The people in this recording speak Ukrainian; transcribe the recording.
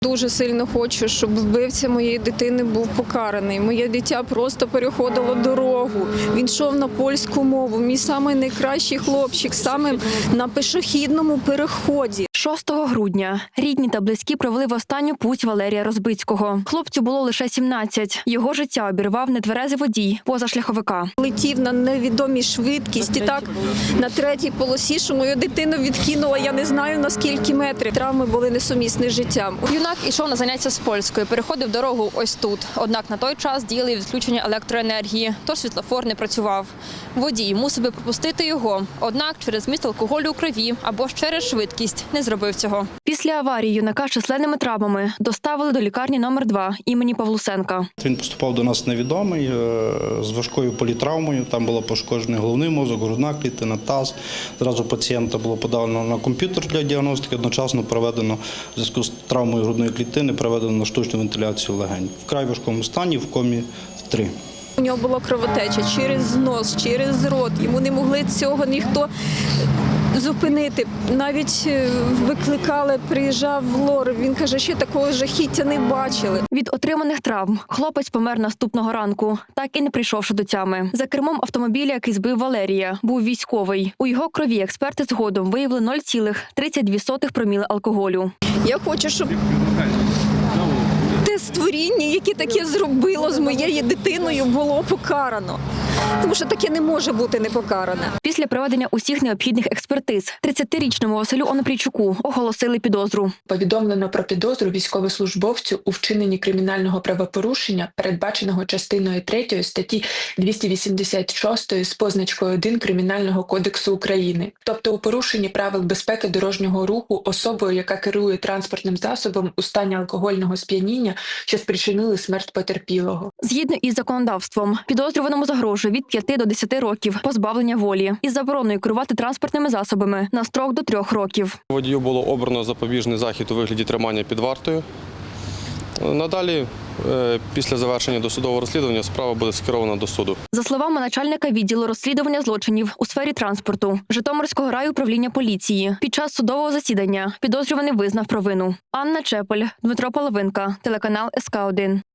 Дуже сильно хочу, щоб вбивця моєї дитини був покараний. Моє дитя просто переходило дорогу. Він йшов на польську мову. Мій самий найкращий хлопчик, саме на пішохідному переході. 6 грудня рідні та близькі провели в останню путь Валерія Розбицького. Хлопцю було лише 17. Його життя обірвав нетверезий водій позашляховика. Летів на невідомій швидкості, так, на третій полосі, що мою дитину відкинула, я не знаю на скільки метрів. Травми були несумісні з життям. Юнак ішов на заняття з польської, переходив дорогу ось тут. Однак на той час діяли відключення електроенергії, тож світлофор не працював. Водій мусив би пропустити його, однак через вміст алкоголю у крові або ж через швидкість не зробив цього. Після аварії юнака з численними травмами доставили до лікарні номер 2 імені Павлусенка. Він поступав до нас невідомий, з важкою політравмою. Там було пошкоджений головний мозок, грудна клітина, таз. Зразу пацієнта було подано на комп'ютер для діагностики, одночасно проведено, в зв'язку з травмою грудної клітини, проведено на штучну вентиляцію легень. В вкрай важкому стані, в комі 3. У нього була кровотеча через нос, через рот. Йому не могли цього ніхто зупинити. Навіть викликали, приїжджав лор. Він каже, що такого жахіття не бачили. Від отриманих травм хлопець помер наступного ранку, так і не прийшовши до тями. За кермом автомобіля, який збив Валерія, був військовий. У його крові експерти згодом виявили 0,32 проміли алкоголю. Я хочу, щоб те створіння, яке таке зробило з моєю дитиною, було покарано. Тому що таке не може бути непокаране. Після проведення усіх необхідних експертиз 30-річному Василю Онопрійчуку оголосили підозру. Повідомлено про підозру військовослужбовцю у вчиненні кримінального правопорушення, передбаченого частиною 3 статті 286 з позначкою 1 Кримінального кодексу України. Тобто у порушенні правил безпеки дорожнього руху особою, яка керує транспортним засобом у стані алкогольного сп'яніння, що спричинили смерть потерпілого. Згідно із законодавством, підозрюваному загрожує від 5 до 10 років позбавлення волі із забороною керувати транспортними засобами на строк до 3 років. Водію було обрано запобіжний захід у вигляді тримання під вартою. Надалі, після завершення досудового розслідування, справа буде скерована до суду. За словами начальника відділу розслідування злочинів у сфері транспорту Житомирського райуправління поліції, під час судового засідання підозрюваний визнав провину. Анна Чепель, Дмитро Половинка, телеканал СК1.